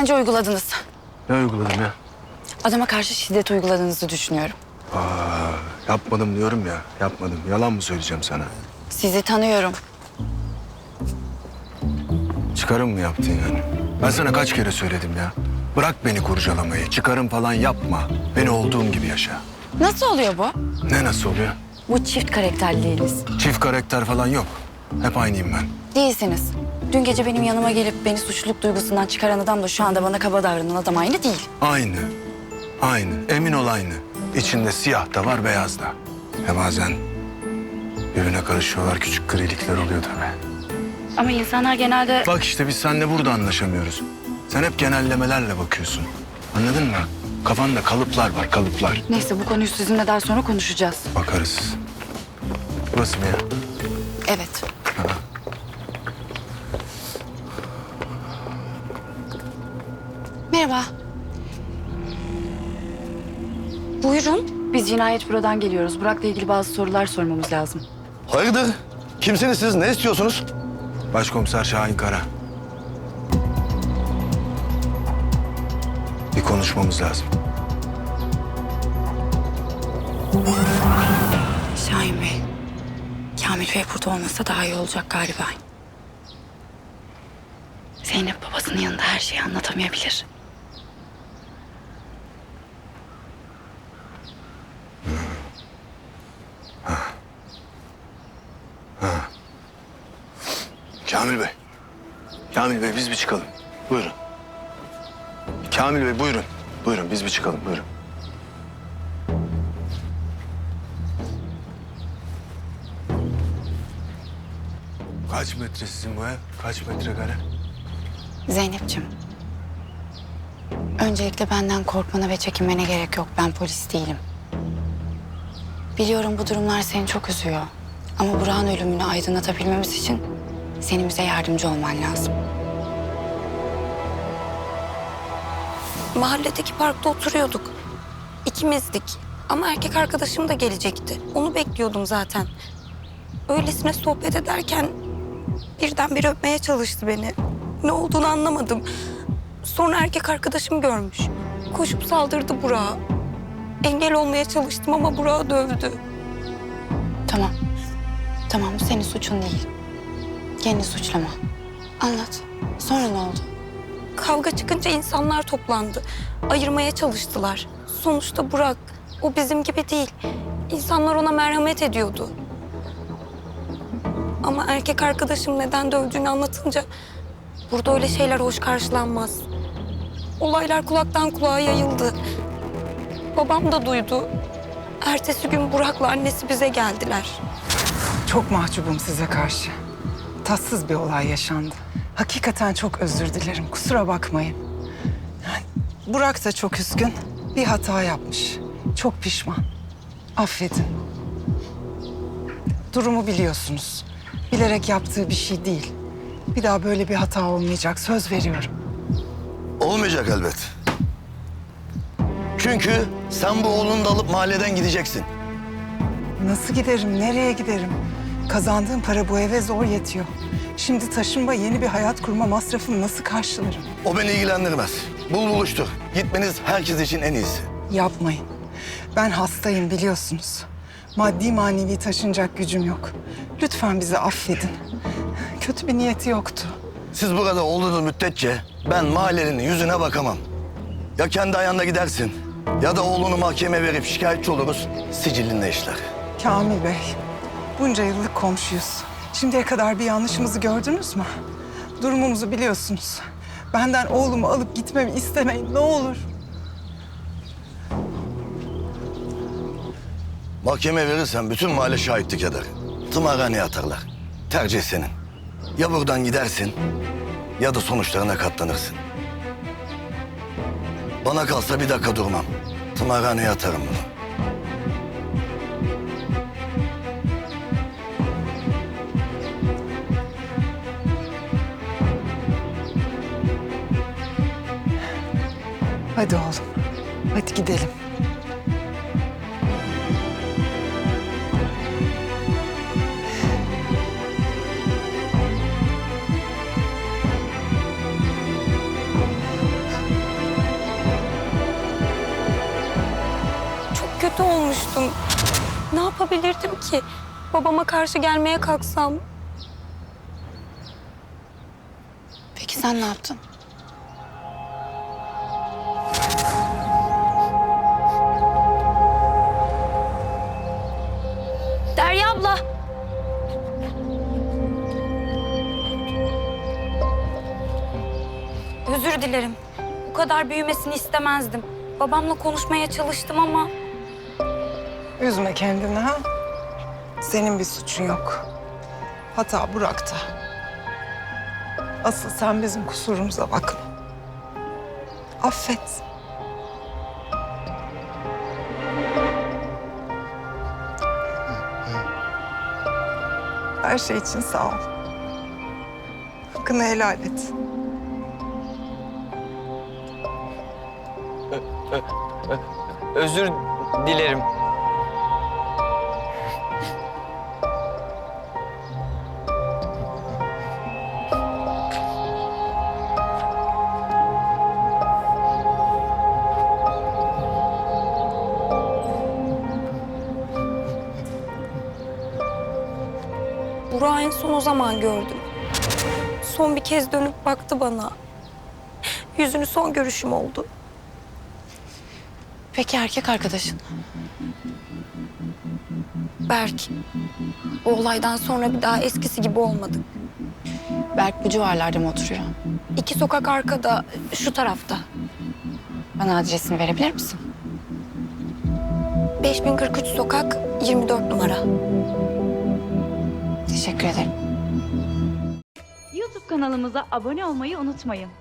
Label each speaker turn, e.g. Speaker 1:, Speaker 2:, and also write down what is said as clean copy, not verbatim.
Speaker 1: Bence uyguladınız.
Speaker 2: Ne uyguladım ya?
Speaker 1: Adama karşı şiddet uyguladığınızı düşünüyorum.
Speaker 2: Yapmadım diyorum ya. Yapmadım. Yalan mı söyleyeceğim sana?
Speaker 1: Sizi tanıyorum.
Speaker 2: Çıkarım mı yaptın yani? Ben sana kaç kere söyledim ya. Bırak beni kurcalamayı. Çıkarım falan yapma. Beni olduğum gibi yaşa.
Speaker 1: Nasıl oluyor bu?
Speaker 2: Ne nasıl oluyor?
Speaker 1: Bu çift karakterliliğiniz.
Speaker 2: Çift karakter falan yok. Hep aynıyım ben.
Speaker 1: Değilsiniz. Dün gece benim yanıma gelip beni suçluluk duygusundan çıkaran adam da şu anda bana kaba davranan adam aynı değil.
Speaker 2: Aynı. Aynı. Emin ol aynı. İçinde siyah da var, beyaz da. Bazen birbirine karışıyorlar. Küçük grilikler oluyor tabii.
Speaker 1: Ama insanlar genelde...
Speaker 2: Bak işte biz seninle burada anlaşamıyoruz. Sen hep genellemelerle bakıyorsun. Anladın mı? Kafanda kalıplar var, kalıplar.
Speaker 1: Neyse bu konuyu sizinle daha sonra konuşacağız.
Speaker 2: Bakarız. Burası mı ya?
Speaker 1: Evet. Merhaba. Buyurun. Biz cinayet bürodan geliyoruz. Burak'la ilgili bazı sorular sormamız lazım.
Speaker 3: Hayırdır? Kimsiniz siz? Ne istiyorsunuz?
Speaker 2: Başkomiser Şahin Kara. Bir konuşmamız lazım.
Speaker 1: Şahin Bey. Kamil Bey burada olmasa daha iyi olacak galiba. Zeynep babasının yanında her şeyi anlatamayabilir.
Speaker 2: Kamil Bey. Kamil Bey biz bir çıkalım. Buyurun. Kamil Bey buyurun. Buyurun biz bir çıkalım buyurun. Kaç metre sizin bu ev? Kaç metrekare?
Speaker 1: Zeynep'ciğim. Öncelikle benden korkmana ve çekinmene gerek yok. Ben polis değilim. Biliyorum bu durumlar seni çok üzüyor. Ama Burak'ın ölümünü aydınlatabilmemiz için senin bize yardımcı olman lazım.
Speaker 4: Mahalledeki parkta oturuyorduk. İkimizdik. Ama erkek arkadaşım da gelecekti. Onu bekliyordum zaten. Öylesine sohbet ederken birdenbire öpmeye çalıştı beni. Ne olduğunu anlamadım. Sonra erkek arkadaşım görmüş. Koşup saldırdı Burak'a. Engel olmaya çalıştım ama Burak'ı dövdü.
Speaker 1: Tamam. Tamam bu senin suçun değil. Kendini suçlama. Anlat. Sonra ne oldu?
Speaker 4: Kavga çıkınca insanlar toplandı. Ayırmaya çalıştılar. Sonuçta Burak, o bizim gibi değil. İnsanlar ona merhamet ediyordu. Ama erkek arkadaşım neden dövdüğünü anlatınca... burada öyle şeyler hoş karşılanmaz. Olaylar kulaktan kulağa yayıldı. Babam da duydu. Ertesi gün Burak'la annesi bize geldiler.
Speaker 5: Çok mahcubum size karşı. Tatsız bir olay yaşandı. Hakikaten çok özür dilerim. Kusura bakmayın. Yani Burak da çok üzgün. Bir hata yapmış. Çok pişman. Affedin. Durumu biliyorsunuz. Bilerek yaptığı bir şey değil. Bir daha böyle bir hata olmayacak. Söz veriyorum.
Speaker 3: Olmayacak elbet. Çünkü sen bu oğlunu da alıp mahalleden gideceksin.
Speaker 5: Nasıl giderim? Nereye giderim? Kazandığım para bu eve zor yetiyor. Şimdi taşınma, yeni bir hayat kurma masrafını nasıl karşılarım?
Speaker 3: O beni ilgilendirmez. Bul buluştur. Gitmeniz herkes için en iyisi.
Speaker 5: Yapmayın. Ben hastayım biliyorsunuz. Maddi manevi taşınacak gücüm yok. Lütfen bizi affedin. Kötü bir niyeti yoktu.
Speaker 3: Siz burada olduğunuz müddetçe ben mahallenin yüzüne bakamam. Ya kendi ayağında gidersin ya da oğlunu mahkemeye verip şikayetçi oluruz. Sicilinde işler.
Speaker 5: Kamil Bey, bunca yıllık komşuyuz. Şimdiye kadar bir yanlışımızı gördünüz mü? Durumumuzu biliyorsunuz. Benden oğlumu alıp gitmemi istemeyin ne olur.
Speaker 3: Mahkemeye verirsen bütün mahalle şahitlik eder. Tımarhaneye atarlar. Tercih senin. Ya buradan gidersin ya da sonuçlarına katlanırsın. Bana kalsa bir dakika durmam. Tımarhaneye atarım bunu.
Speaker 5: Hadi oğlum, hadi gidelim.
Speaker 4: kötü olmuştum. Ne yapabilirdim ki? Babama karşı gelmeye kalksam.
Speaker 1: Peki sen ne yaptın?
Speaker 4: Derya abla. Özür dilerim. Bu kadar büyümesini istemezdim. Babamla konuşmaya çalıştım ama
Speaker 5: Üzme kendini ha. Senin bir suçun yok. Hata Burak'ta. Asıl sen bizim kusurumuza bakma. Affet. Her şey için sağ ol. Hakkını helal et.
Speaker 6: Özür dilerim.
Speaker 4: Burak'ı en son o zaman gördüm. Son bir kez dönüp baktı bana. Yüzünü son görüşüm oldu.
Speaker 1: Peki erkek arkadaşın?
Speaker 4: Berk. O olaydan sonra bir daha eskisi gibi olmadık.
Speaker 1: Berk bu civarlarda mı oturuyor?
Speaker 4: 2 sokak arkada, şu tarafta.
Speaker 1: Bana adresini verebilir misin?
Speaker 4: 5043 sokak, 24 numara.
Speaker 1: Teşekkür ederim.
Speaker 7: YouTube kanalımıza abone olmayı unutmayın.